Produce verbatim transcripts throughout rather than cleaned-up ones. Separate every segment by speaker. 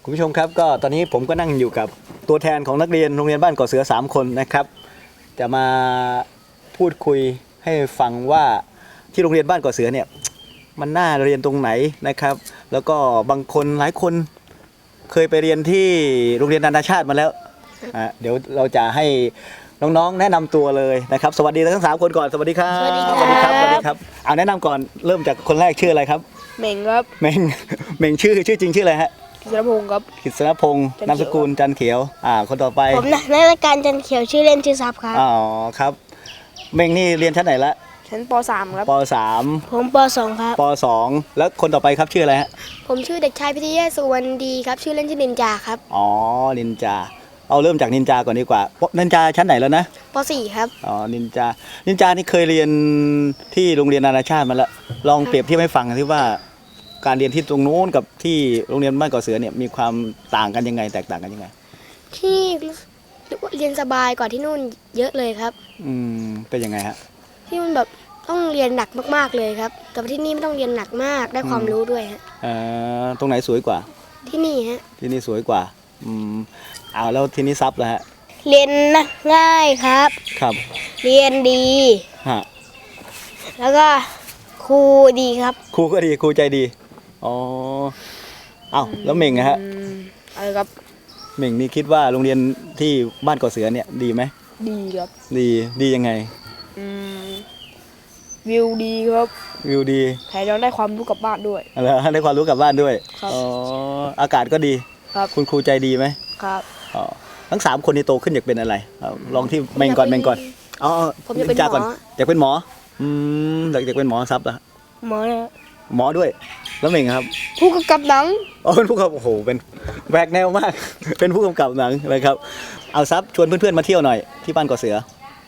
Speaker 1: คุณผู้ชมครับก็ตอนนี้ผมก็นั่งอยู่กับตัวแทนของนักเรียนโรงเรียนบ้านก่อเสือสามคนนะครับจะมาพูดคุยให้ฟังว่าที่โรงเรียนบ้านก่อเสือเนี่ยมันน่าเรียนตรงไหนนะครับแล้วก็บางคนหลายคนเคยไปเรียนที่โรงเรียนนานาชาติมาแล้วอ่ะเดี๋ยวเราจะให้น้องๆแนะนำตัวเลยนะครับสวัสดีทั้งสามคนก่อนสวัสดีครับ
Speaker 2: สวัสดีครับ
Speaker 1: สวัสดีครับสวัสดีครับเอาแนะนำก่อนเริ่มจากคนแรกชื่ออะไรครับ
Speaker 2: เหม่งครับ
Speaker 1: เมงเมงชื่อชื่อจริงชื่ออะไรฮะ
Speaker 2: กิษณพงศ์ครับ
Speaker 1: กฤษณพงศ์
Speaker 2: จันเขียว
Speaker 1: นามสกุลจันเขียวอ่าคนต่อไป
Speaker 3: ผมนะนักการจันเขียวชื่อเล่นชื่อซับครับ
Speaker 1: อ๋อครับเมงนี่เรียนชั้นไหนละ
Speaker 2: ชั้นป .สาม ครับ
Speaker 1: ปสาม
Speaker 3: ผมปสองครับ
Speaker 1: ปสองแล้วคนต่อไปครับชื่ออะไรฮะ
Speaker 3: ผมชื่อเด็กชายพิทยาสุวรรณดีครับชื่อเล่นชื่อนินจาครับ
Speaker 1: อ๋อนินจาเอาเริ่มจากนินจาก่อนดีกว่านินจาชั้นไหนแล้วนะ
Speaker 3: ปสี่ครับ
Speaker 1: อ๋อนินจานินจานี่เคยเรียนที่โรงเรียนนานาชาติมาแล้วลองเปรียบเทียบให้ฟังที่ว่าการเรียนที่ตรงโน้นกับที่โรงเรียนบ้านก่อเสือเนี่ยมีความต่างกันยังไงแตกต่างกันยังไง
Speaker 3: ที่เรียนสบายกว่าที่นู่นเยอะเลยครับ
Speaker 1: อืมเป็นยังไงฮะ
Speaker 3: ที่นู่นแบบต้องเรียนหนักมากๆเลยครับแต่ว่าที่นี่ไม่ต้องเรียนหนักมากได้ความรู้ด้วยฮะ
Speaker 1: เอ่อตรงไหนสวยกว่า
Speaker 3: ที่นี่ฮะ
Speaker 1: ที่นี่สวยกว่าอืมเอาแล้วที่นี่ซับแล้วฮะ
Speaker 3: เรียนง่ายครับ
Speaker 1: ครับ
Speaker 3: เรียนดี
Speaker 1: ฮะ
Speaker 3: แล้วก็ครูดีครับ
Speaker 1: ครูก็ดีครูใจดีอ๋อเอาแล้วเม่งนะฮะ
Speaker 2: อืมอะไรครับ
Speaker 1: เม่งนี่คิดว่าโรงเรียนที่บ้านก่อเสือเนี่ยดีไหม
Speaker 2: ดีครับ
Speaker 1: ดีดียังไง
Speaker 2: อืมวิวดีครับ
Speaker 1: วิวดี
Speaker 2: แถมยังได้ความรู้กลับบ้านด้วย
Speaker 1: แล้วได้ความรู้กลับบ้านด้วย
Speaker 2: ครับ
Speaker 1: อ๋ออากาศก็ดี
Speaker 2: ครับ
Speaker 1: คุณครูใจดีไหม
Speaker 2: ครับ
Speaker 1: อ๋อทั้งสามคนนี้โตขึ้นอยากเป็นอะไรเอาลองที่เม่งก่อนเม่งก่อนอ๋อ
Speaker 3: ผมจะเป็น
Speaker 1: จ้าก่อน
Speaker 3: หมอ
Speaker 1: อยากเป็นหมออืมอยากอยากเป็นหมอซับเหรอ
Speaker 3: หมอนะ
Speaker 1: หมอด้วย แล้วเม่งครับ
Speaker 2: ผู้กำกับหนัง
Speaker 1: อ๋อเป็นผู้กำกับโอ้โหเป็นแหวกแนวมาก เป็นผู้กำกับหนังนะครับเอาซับชวนเพื่อนๆมาเที่ยวหน่อยที่บ้านก่อเสือ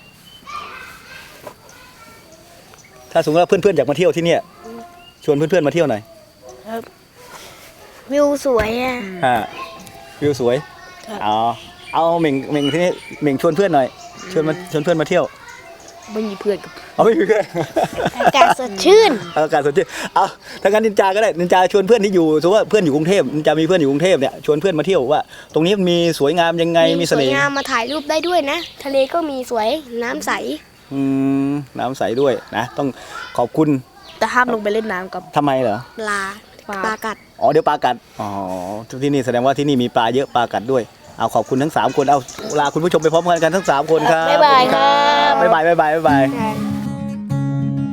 Speaker 1: ถ้าสมมติว่าเพื่อนๆอยากมาเที่ยวที่เนี่ยชวนเพื่อนๆมาเที่ยวหน่อย
Speaker 3: วิวสวยอะ
Speaker 1: อ่าวิวสวย
Speaker 3: ครับ
Speaker 1: อ๋อเอาเหม่งเหม่งที่นี่เหม่งชวนเพื่อนหน่อยชวนมาชวนเพื่อนมาเที่ยว
Speaker 2: ไม่มีเพื่อนกับ
Speaker 1: เอาไม่มีเพื่อน
Speaker 3: อากาศสดชื่น
Speaker 1: เอาอากาศสดชื่นเอาถ้างั้นนินจาก็ได้นินจาชวนเพื่อนที่อยู่สมมติว่าเพื่อนอยู่กรุงเทพนินจามีเพื่อนอยู่กรุงเทพเนี่ยชวนเพื่อนมาเที่ยวว่า ตรงนี้มันมีสวยงามยังไงมีเส
Speaker 3: สวย
Speaker 1: น่ห์
Speaker 3: งามมาถ่ายรูปได้ด้วยนะ ทะเลก็มีสวยน้ำใส
Speaker 1: อืมน้ำใสด้วยนะต้องขอบคุณ
Speaker 2: แต่ห้ามลงไปเล่นน้ำกับ
Speaker 1: ทำไมเหรอ
Speaker 3: ปลา
Speaker 2: ปลา
Speaker 3: ปลากัด
Speaker 1: อ๋อเดี๋ยวปลากัดอ๋อที่นี่แสดงว่าที่นี่มีปลาเยอะปลากัดด้วยเอาขอบคุณทั้งสามคนเอาลาคุณผู้ชมไปพร้อมกันกันทั้งสามคนครับ
Speaker 3: บ๊ายบายครับ
Speaker 1: บ๊ายบายบ๊ายบายบ๊ายบาย
Speaker 3: ครับ